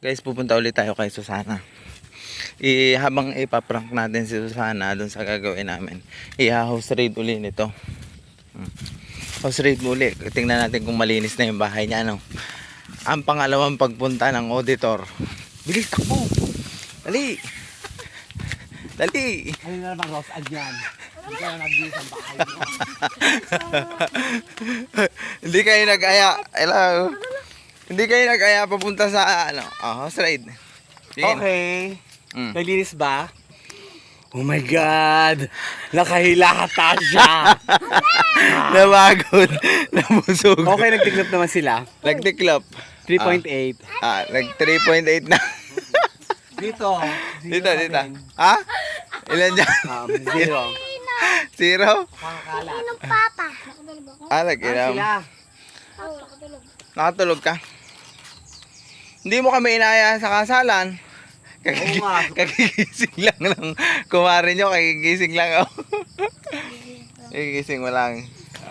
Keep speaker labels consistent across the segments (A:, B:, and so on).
A: Guys, pupunta ulit tayo kay Susana. Habang ipaprank natin si Susana dun sa gagawin namin, i-house raid uli nito. House raid uli. Tingnan natin kung malinis na yung bahay niya. Ano? Ang pangalawang pagpunta ng auditor. Bilis, takbo! Dali! Dali!
B: Ano na naman, Ross? Adyan. Hindi ka na nag-iis ang bahay mo.
A: Hindi kayo nag-aya. Hello. Hindi kayo nag-aya papunta sa house raid. Sige.
B: Okay. Naglinis ba? Oh my God! Nakahilata siya!
A: Nabagod. Nabusog.
B: Okay, nagtiklop naman sila.
A: Nagtiklop.
B: 3.8.
A: Nag 3.8 na.
B: Dito.
A: Dito. Ha? Ilan dyan?
B: 0.
A: 0?
B: Pakakalat.
C: Papa.
A: Nag-iram.
B: Sila.
A: Nakatulog ka? Hindi mo kami inaya sa kasalan.
B: Oo nga.
A: Kagigising lang ng kumari nyo. Kagigising lang ako. Kagigising mo lang.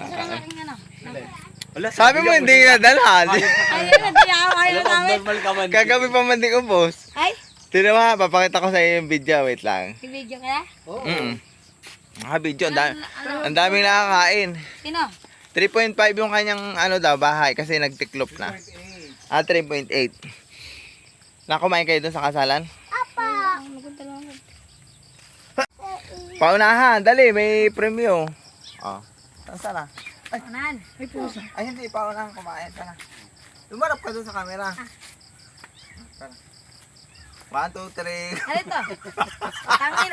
B: Wala,
A: Sabi mo hindi na dalhan.
C: Ayun, ayaw namin.
B: Normal ka man.
A: Kagabi pa man din ubos.
C: Ay,
A: Tino mo, papakita ko sa iyo yung video. Wait lang.
C: i-video kaya?
B: Oo.
A: Video. Ang daming nakakain.
C: Sino?
A: 3.5 yung kanyang bahay kasi nagtiklop na. 3.8. Nakumain kayo dun sa kasalan?
C: Apa.
A: Paunahan, dali, may premyo. Saan na?
C: Anan. May puso.
A: Ay, hindi, paunahan kumain. Tara. Lumarap ka dun sa camera. Tara. 1, 2, 3.
C: Ano ito? Tangin.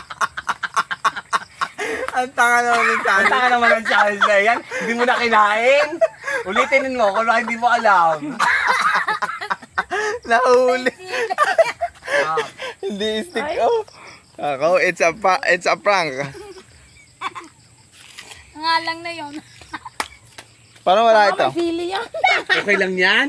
A: Ang tanga naman ng
B: Ang
A: channel.
B: taka naman ang challenge na yan. Hindi mo na kinain. Ulitin mo kung hindi mo alam.
A: Nahuli.
B: Ah.
A: Hindi stick. Ako, it's a prank.
C: Nga lang na yun.
A: Parang wala ito.
C: Pili yan.
B: Okay lang yan?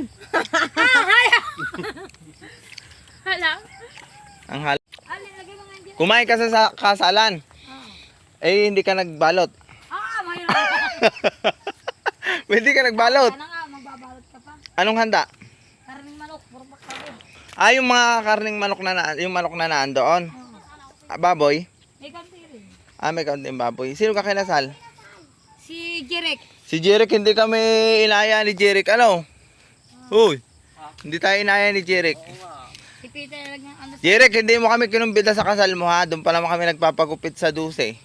C: Hala.
A: Ang hal.
C: Alin, lagay mo nga dyan.
A: Kumain ka sa kasalan. Hindi ka nagbalot.
C: Mahirap.
A: Hindi ka nagbalot.
C: Sana nga, magbabalot ka pa.
A: Anong handa?
C: Karning manok, puro bakawin.
A: Yung mga karning manok yung manok na naandoon. Baboy.
C: May kanti rin.
A: May kaunting baboy. Sino ka kinasal?
C: Si Jirek.
A: Si Jeric. Hindi kami inaya ni Jeric. Ano? Uy. Hindi tayo inaya ni Jeric.
C: Si Peter lang ano.
A: Jeric, hindi mo kami kinumbida sa kasal mo ha. Doon pa naman kami nagpapagupit sa duse.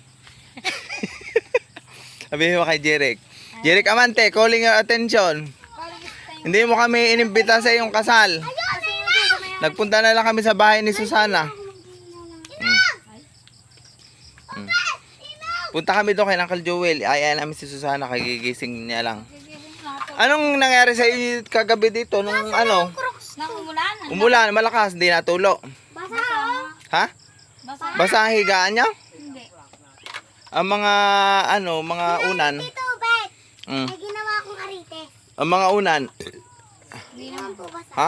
A: Sabihin mo kay Jeric. Jeric Amante, calling your attention. Hindi mo kami inimbita sa iyong kasal. Nagpunta na lang kami sa bahay ni Susana. Punta kami doon kay Uncle Joel. Ayaw namin si Susana, kagigising niya lang. Anong nangyari sa iyo kagabi dito nung
C: Nang umulan.
A: umulan, malakas, hindi natulo.
C: Basa.
A: Ha?
C: Basa.
A: Basa ang higaan niya?
C: Hindi.
A: Ang mga mga unan.
C: Tubig.
A: Mm.
C: Ay, ginawa kong arite.
A: Ang mga unan.
C: Hindi naman po basa.
A: Ha?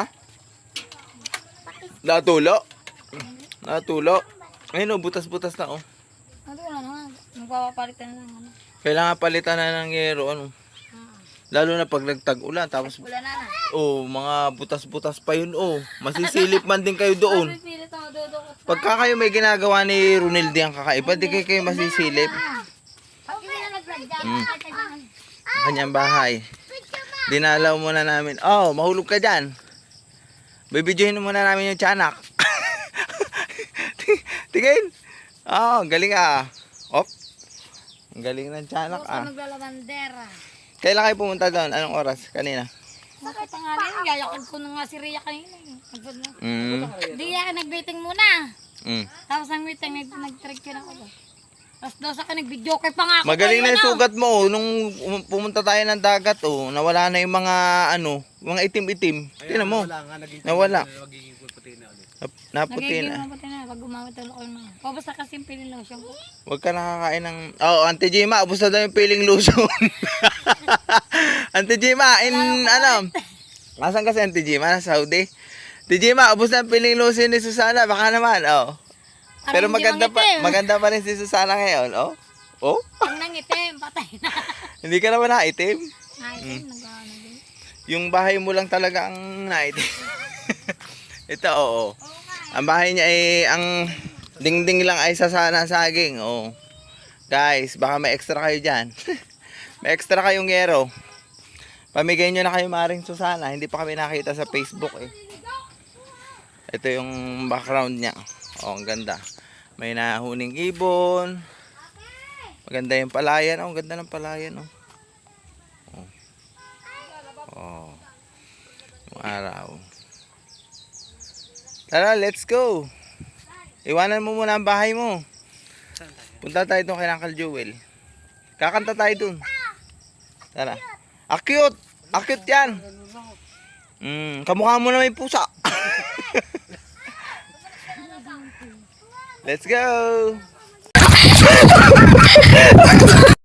A: Natulo? Natulo. Ayun butas-butas na
C: Ano na, magpapalitan na lang. Ano.
A: Kailangan palitan na ng yero Lalo na pag nagtag-ulan tapos
C: Wala na na.
A: mga butas-butas pa yun Masisilip man din kayo doon.
C: Pipilit ako dudukot.
A: Pagka kayo may ginagawa ni Ronilde ang kakaiba, di kayo masisilip.
C: Pag hindi na nagladyan,
A: Ang kanyang bahay. Dinalaw muna namin. Mahulog ka dyan. Bibidyohin muna namin yung tiyanak. Tingin. Galing Op. Ang galing ng tiyanak
C: Ako naglalabandera.
A: Kailan kayo pumunta doon? Anong oras? Kanina?
C: Bakit nga rin? Yayakag ko na nga si Rhea kanina.
A: Mm.
C: Hindi yan, nag-waiting muna.
A: Mm.
C: Tapos ang waiting, nag-trick yun ako. Tapos daw sa akin, nag-video kay pa nga ako.
A: Magaling na
C: Ayun,
A: yung sugat mo nung pumunta tayo ng dagat nawala na yung mga mga itim-itim. Tingnan mo. Nawala.
B: Magiging puti na ulit.
A: Naputi
C: Nagiging
A: na.
C: mabuti na, pag gumamit ulit ako ng mga. Pabas na kasi yung piling lotion ko.
A: Huwag ka nakakain ng... Auntie Jima, ubos na daw yung piling lotion. Auntie Jima, Nasaan ka si Auntie Jima? Nasa Saudi? Auntie Jima, ubos na yung piling lotion ni Susana. Baka naman, Pero
C: Parang hindi mangitim.
A: maganda pa rin si Susana ngayon,
C: Pag nangitim, patay na.
A: Hindi ka naman naitim.
C: Naitim, nag-ano din.
A: Yung bahay mo lang talaga ang naitim. Ito, oo. Ang bahay niya ay, ang dingding lang ay sasana saging. Oo. Guys, baka may extra kayo dyan. May extra kayong yero. Pamigay nyo na kayo Maring Susana. Hindi pa kami nakita sa Facebook eh. Ito yung background niya. Oh, ang ganda. May nahuning ibon. Maganda yung palayan. Oh, ang ganda ng palayan. Oh. Oh. Oh. Yung araw. Tara, let's go. Iwanan mo muna ang bahay mo. Punta tayo doon kay Uncle Joel. Kakanta tayo doon. Tara. Akyut! Akyut yan! Kamukha mo na may pusa. Let's go!